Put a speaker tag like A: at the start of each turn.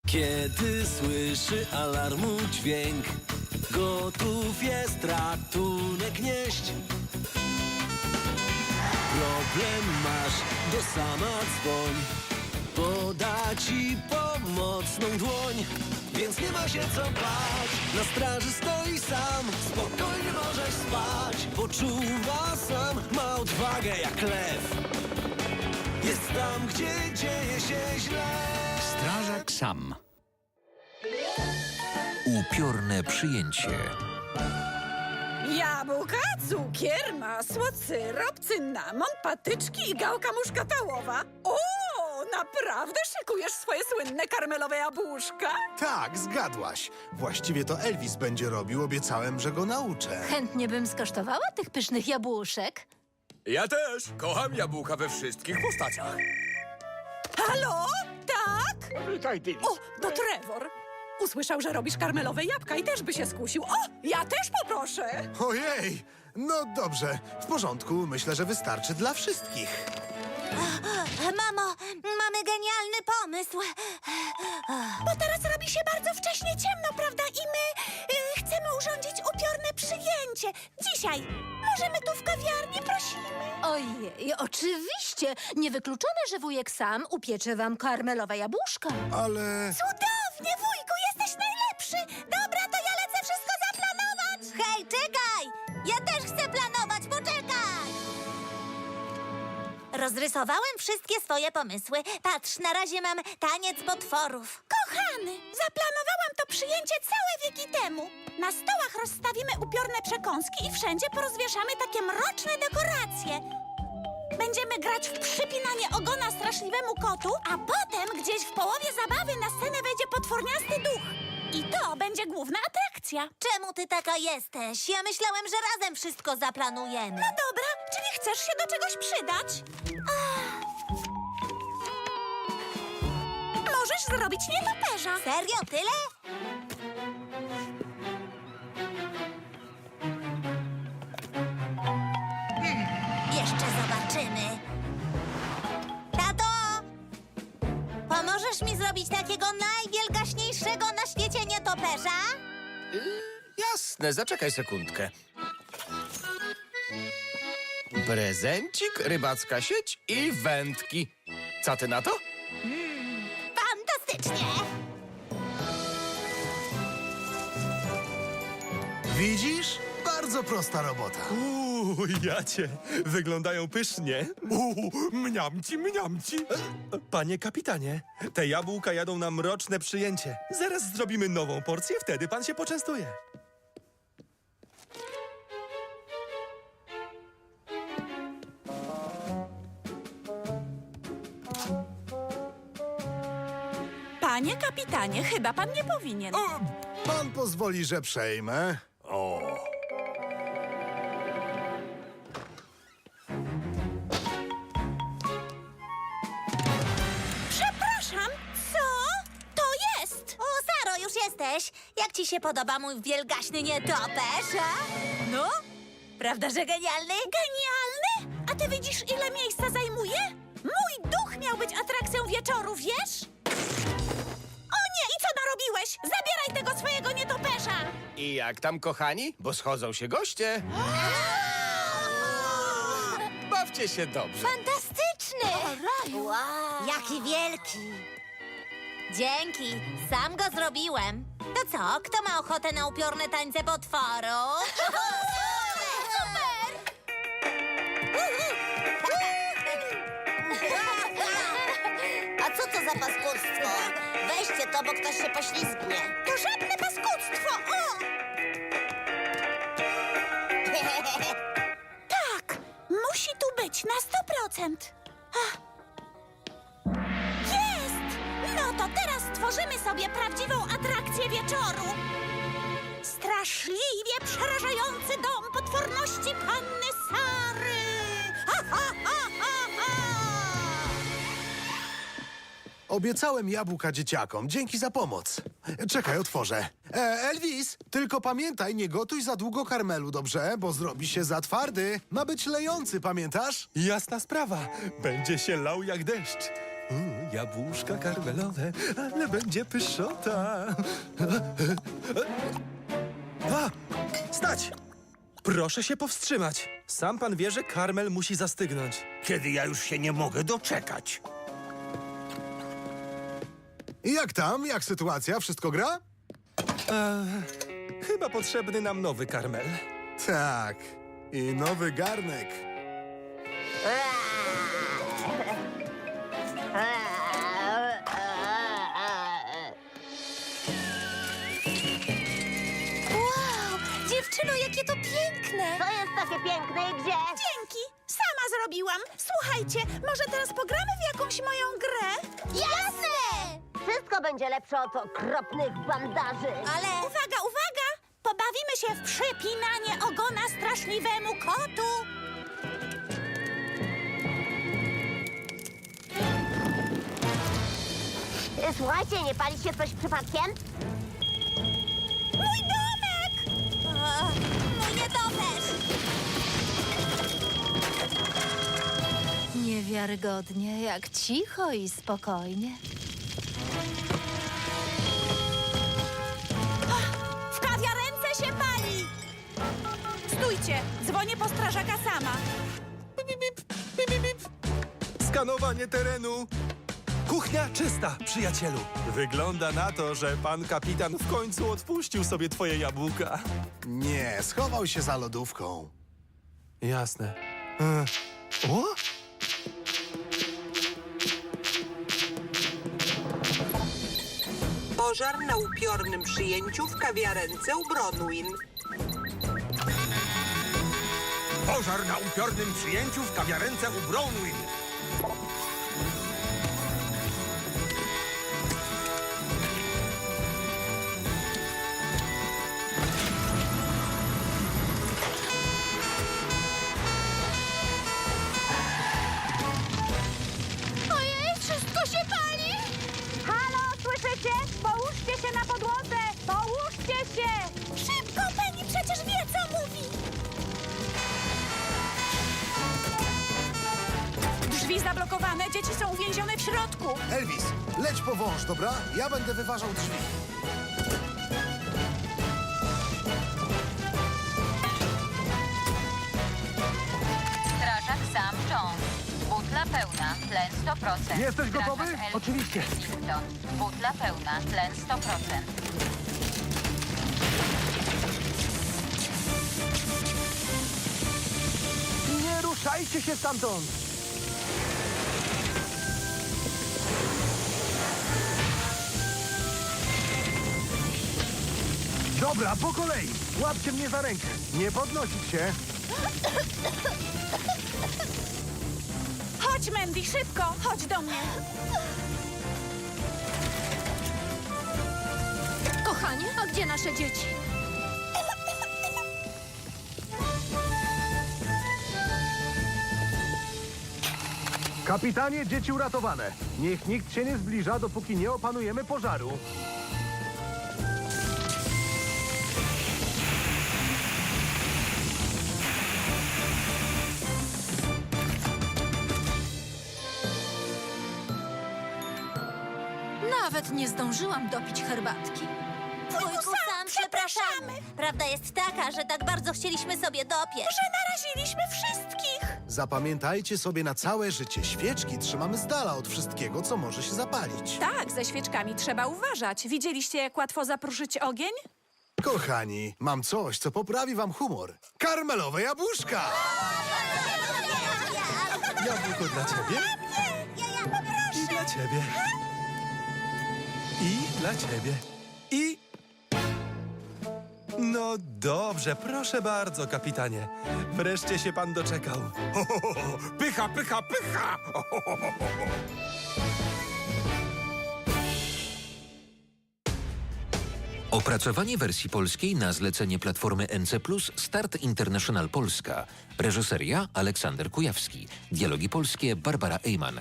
A: Kiedy słyszy alarmu dźwięk, gotów jest ratunek nieść. Problem masz, do sama dzwoń, poda ci pomocną dłoń. Więc nie ma się co bać, na straży stoi sam. Spokojnie możesz spać, poczuwa sam. Ma odwagę jak lew, jest tam, gdzie dzieje się źle.
B: Strażak sam.
C: Upiorne przyjęcie.
D: Jabłka, cukier, masło, syrop, cynamon, patyczki i gałka muszkatałowa. O, naprawdę szykujesz swoje słynne karmelowe jabłuszka?
E: Tak, zgadłaś. Właściwie to Elvis będzie robił, obiecałem, że go nauczę.
F: Chętnie bym skosztowała tych pysznych jabłuszek.
B: Ja też kocham jabłka we wszystkich postaciach.
D: Halo? Tak?
B: Witaj, Dilly.
D: O, to Trevor. Usłyszał, że robisz karmelowe jabłka i też by się skusił. O, ja też poproszę.
E: Ojej! No dobrze, w porządku. Myślę, że wystarczy dla wszystkich.
F: Mamo, mamy genialny pomysł.
D: Bo teraz robi się bardzo wcześnie ciemno, prawda? I my chcemy urządzić upiorne przyjęcie. Dzisiaj. Możemy tu w kawiarni, prosimy.
F: Ojej, oczywiście. Niewykluczone, że wujek sam upiecze wam karmelowe jabłuszka.
E: Ale...
D: Cudownie, wujku, jesteś najlepszy. Dobra, to ja lecę wszystko zaplanować.
F: Hej, czekaj! Ja też chcę planować, poczekaj! Rozrysowałem wszystkie swoje pomysły. Patrz, na razie mam taniec potworów.
D: Kochany, zaplanowałam to przyjęcie całe wieki temu. Na stołach rozstawimy upiorne przekąski i wszędzie porozwieszamy takie mroczne dekoracje. Będziemy grać w przypinanie ogona straszliwemu kotu, a potem gdzieś w połowie zabawy na scenę wejdzie potworniasty duch. I to będzie główna atrakcja.
F: Czemu ty taka jesteś? Ja myślałem, że razem wszystko zaplanujemy.
D: No dobra, czyli chcesz się do czegoś przydać? Możesz zrobić nietoperza.
F: Serio, tyle? Jeszcze zobaczymy. Tato! Pomożesz mi zrobić takiego najwielgaśniejszego na świecie nietoperza?
G: Jasne, zaczekaj sekundkę. Prezencik, rybacka sieć i wędki. Co ty na to?
F: Fantastycznie!
E: Widzisz? Bardzo prosta robota.
H: Jacie, wyglądają pysznie. Mniamci, mniamci. Panie kapitanie, te jabłka jadą na mroczne przyjęcie. Zaraz zrobimy nową porcję, wtedy pan się poczęstuje.
D: Panie kapitanie, chyba pan nie powinien.
E: Pan pozwoli, że przejmę.
D: Przepraszam, co to jest?
F: O, Saro, już jesteś. Jak ci się podoba mój wielgaśny nietoperz, a? No? Prawda, że genialny?
D: Genialny? A ty widzisz, ile miejsca zajmuje? Mój duch miał być atrakcją wieczoru, wiesz? O nie, i co narobiłeś? Zabieraj tego swojego nietoperza!
G: I jak tam, kochani? Bo schodzą się goście. Bawcie się dobrze.
F: Fantastyczny! Wow. Jaki wielki! Dzięki, sam go zrobiłem. To co, kto ma ochotę na upiorne tańce potworu? Super!
I: A co to za paskudztwo? Weźcie to, bo ktoś się poślizgnie.
D: To żadne paskudztwo! O! Tak, musi tu być na 100%. Ach. Jest! No to teraz stworzymy sobie prawdziwą atrakcję wieczoru. Straszliwie przerażający dom potworności panny Sary! Ha, ha, ha, ha, ha!
E: Obiecałem jabłka dzieciakom. Dzięki za pomoc. Czekaj, otworzę. Elvis, tylko pamiętaj, nie gotuj za długo karmelu, dobrze? Bo zrobi się za twardy. Ma być lejący, pamiętasz?
H: Jasna sprawa, będzie się lał jak deszcz. Jabłuszka karmelowe, ale będzie pyszota. A! Stać! Proszę się powstrzymać. Sam pan wie, że karmel musi zastygnąć.
B: Kiedy ja już się nie mogę doczekać.
E: I jak tam? Jak sytuacja? Wszystko gra?
H: Chyba potrzebny nam nowy karmel.
E: Tak. I nowy garnek.
F: Wow, dziewczyno, jakie to piękne!
I: To jest takie piękne i gdzie?
D: Dzięki, sama zrobiłam. Słuchajcie, może teraz pogramy w jakąś moją grę?
I: Jasne! Wszystko będzie lepsze od okropnych bandaży.
D: Ale... Uwaga, uwaga! Pobawimy się w przypinanie ogona straszliwemu kotu.
I: Słuchajcie, nie pali się coś przypadkiem?
D: Mój domek!
F: Mój nietoperz!
J: Niewiarygodnie, jak cicho i spokojnie.
D: W kawiarence się pali! Stójcie, dzwonię po strażaka sama.
H: Skanowanie terenu. Kuchnia czysta, przyjacielu. Wygląda na to, że pan kapitan w końcu odpuścił sobie twoje jabłka.
E: Nie, schował się za lodówką.
H: Jasne. O?
K: Pożar na upiornym przyjęciu w kawiarence u Bronwyn.
B: Pożar na upiornym przyjęciu w kawiarence u Bronwyn.
D: Ojej, wszystko się pali! Halo, słyszycie? Połóżcie się na podłodze! Połóżcie się! Szybko, Penny, przecież wie, co mówi! Drzwi zablokowane, dzieci są uwięzione w środku.
E: Elvis, leć po wąż, dobra? Ja będę wyważał drzwi.
J: Strażak Sam Jones. Butla pełna, tlen 100%.
E: Jesteś gotowy?
J: Strażak
E: Oczywiście.
J: Whittington. Butla pełna, tlen 100%.
E: Nie ruszajcie się stamtąd! Dobra, po kolei. Łapcie mnie za rękę. Nie podnosić się.
D: Chodź, Mandy, szybko, chodź do mnie.
J: Kochanie, a gdzie nasze dzieci?
E: Kapitanie, dzieci uratowane. Niech nikt się nie zbliża, dopóki nie opanujemy pożaru.
J: Nawet nie zdążyłam dopić herbatki.
F: Wujku Sam, przepraszamy. Prawda jest taka, że tak bardzo chcieliśmy sobie dopiec.
D: Że naraziliśmy wszystkich.
E: Zapamiętajcie sobie na całe życie. Świeczki trzymamy z dala od wszystkiego, co może się zapalić.
D: Tak, ze świeczkami trzeba uważać. Widzieliście, jak łatwo zapruszyć ogień?
E: Kochani, mam coś, co poprawi wam humor. Karmelowe jabłuszka!
H: Jabłko dla ciebie i dla ciebie. I dla ciebie. I... No dobrze, proszę bardzo, kapitanie. Wreszcie się pan doczekał.
B: Ho, ho, ho, ho. Pycha, pycha, pycha! Ho, ho, ho, ho, ho.
C: Opracowanie wersji polskiej na zlecenie platformy NC+, Start International Polska. Reżyseria Aleksander Kujawski. Dialogi polskie Barbara Ejman.